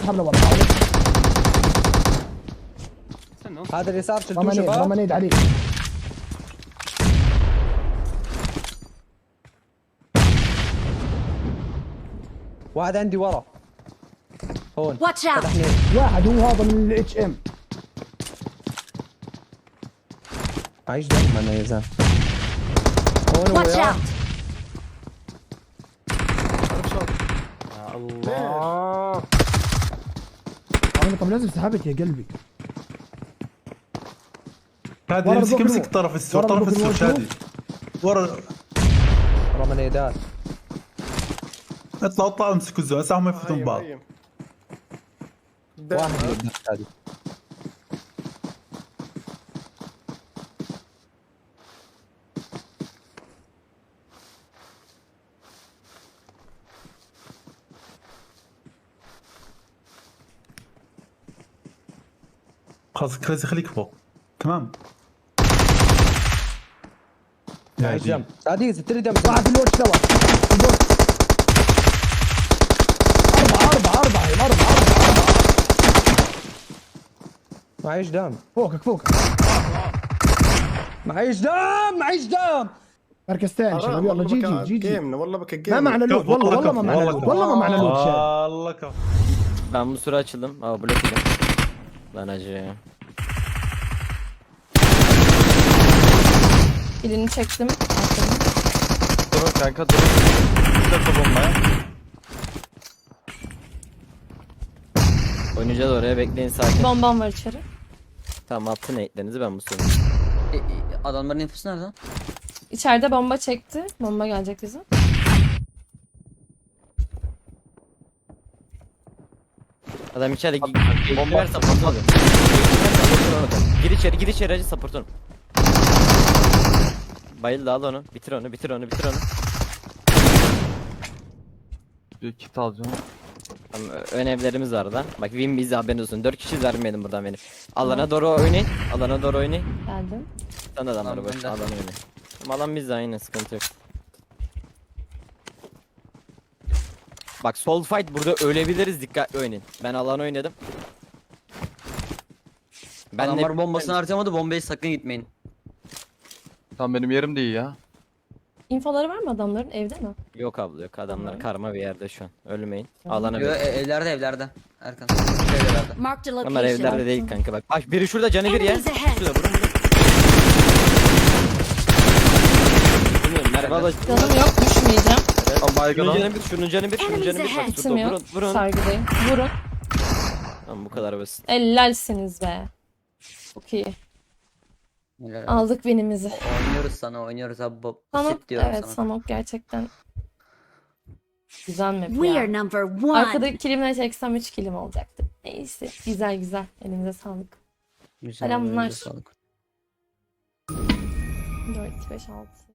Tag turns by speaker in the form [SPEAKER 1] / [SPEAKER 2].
[SPEAKER 1] اسحب له والله.
[SPEAKER 2] هذا اليسار شلتوه
[SPEAKER 1] رمانيد
[SPEAKER 2] شباب.
[SPEAKER 1] رمانيد عليك.
[SPEAKER 2] واحد عندي ورا هون.
[SPEAKER 3] Watch out.
[SPEAKER 2] فتحني.
[SPEAKER 1] واحد هو هذا من الاتش ام.
[SPEAKER 2] عايش دائما انا يا زلمه. هون هو
[SPEAKER 3] Watch
[SPEAKER 2] يا.
[SPEAKER 3] out.
[SPEAKER 4] يا الله.
[SPEAKER 1] انا طب لازم سحبت يا قلبي.
[SPEAKER 5] شادي
[SPEAKER 1] ورا
[SPEAKER 5] امسك
[SPEAKER 1] البوك
[SPEAKER 5] امسك
[SPEAKER 1] الوقت.
[SPEAKER 5] طرف السور،
[SPEAKER 1] ورا
[SPEAKER 5] طرف
[SPEAKER 1] البوك
[SPEAKER 5] السور
[SPEAKER 1] الوقت.
[SPEAKER 5] شادي. ورا.
[SPEAKER 2] رمانيدات.
[SPEAKER 5] اطلع اطلع امسكوا الزون هسه هم يفتون بعض.
[SPEAKER 2] واحد قدام هذه.
[SPEAKER 5] خلاص كريزي خليك فوق. تمام. يا
[SPEAKER 2] عايش
[SPEAKER 5] دي.
[SPEAKER 2] جنب. سعدي تري دم.
[SPEAKER 1] واحد في الوش سوا. أربعة.
[SPEAKER 2] معيش دم.
[SPEAKER 1] فوقك.
[SPEAKER 2] معيش دم.
[SPEAKER 1] مركز ثاني شباب يلا جي.
[SPEAKER 4] جيمنا والله بك
[SPEAKER 1] ما
[SPEAKER 4] جيمنا.
[SPEAKER 1] معنا لوت والله ما معنا لوت. والله ما معنا لوت شاد.
[SPEAKER 5] الله كفو.
[SPEAKER 6] Ben bu sıra açıldım. Aa blok yedim. Lan acı.
[SPEAKER 7] Birini çektim.
[SPEAKER 8] Durun kanka durun. Bir dakika bombaya.
[SPEAKER 6] Oynayacağız oraya, bekleyin sakin.
[SPEAKER 7] Bombam var içeri.
[SPEAKER 6] Tamam, attın eğitlerinizi, ben bu sıra.
[SPEAKER 9] Adamların infosu nerede?
[SPEAKER 7] İçeride bomba çekti. Bomba gelecek bize.
[SPEAKER 6] Adam içeride bomba support oluyor. Gir içeri acı support onu. Bayıldı, al onu. Bitir onu.
[SPEAKER 8] Bir kit alacağım.
[SPEAKER 6] Tamam, ön evlerimiz var da. Bak win bizi, haberiniz olsun. 4 kişi vermeyelim buradan benim. Alana doğru oynayın.
[SPEAKER 7] Geldim.
[SPEAKER 6] Sen de adamları
[SPEAKER 9] Tamam,
[SPEAKER 6] boş.
[SPEAKER 9] ben de.
[SPEAKER 6] Alana oynayın. Tamam, alan bizde, aynı sıkıntı yok. Bak sol fight burada ölebiliriz, dikkatli oynayın. Ben alan oynadım. Ben
[SPEAKER 9] Adamlar bombasını harcamadı, bombaya sakın gitmeyin.
[SPEAKER 8] Tamam benim yerim de iyi ya.
[SPEAKER 7] İnfoları var mı adamların? Evde mi?
[SPEAKER 6] Yok abla yok, adamlar
[SPEAKER 7] Tamam.
[SPEAKER 6] karma bir yerde şu an. Ölmeyin. Alana
[SPEAKER 9] Yo,
[SPEAKER 6] bir.
[SPEAKER 9] evlerde. Erkan. Evlerde.
[SPEAKER 3] Marked a
[SPEAKER 6] Onlar evlerde
[SPEAKER 3] location.
[SPEAKER 6] değil kanka bak. Bak biri şurada, canı bir ya.
[SPEAKER 3] Enemies ahead.
[SPEAKER 6] Şurada vurun. Bilmiyorum, Merve abla.
[SPEAKER 7] Canım yok, düşmeyeceğim.
[SPEAKER 8] Ama baygın
[SPEAKER 6] Şunun
[SPEAKER 8] al.
[SPEAKER 6] canı bir, şunun canı bir.
[SPEAKER 3] Enemies ahead.
[SPEAKER 6] Bak
[SPEAKER 7] Kitim
[SPEAKER 6] şurada
[SPEAKER 7] yok.
[SPEAKER 6] vurun.
[SPEAKER 7] Sargıdayım. Vurun.
[SPEAKER 6] Tamam, bu kadar basit.
[SPEAKER 7] Ellersiniz be. Çok iyi.
[SPEAKER 9] Helal.
[SPEAKER 7] Aldık binimizi.
[SPEAKER 9] Oynuyoruz abi.
[SPEAKER 7] Sanok,
[SPEAKER 9] Basit diyorum
[SPEAKER 7] evet
[SPEAKER 9] sana.
[SPEAKER 7] Sanok gerçekten güzel map
[SPEAKER 3] We
[SPEAKER 7] ya.
[SPEAKER 3] are number one.
[SPEAKER 7] Arkadaki kilimle çeksem 3 kilim olacaktı. Neyse, güzel. Elinize sağlık.
[SPEAKER 9] Güzel,
[SPEAKER 7] Selamlar.
[SPEAKER 9] elinize sağlık.
[SPEAKER 7] 4, 5, 6.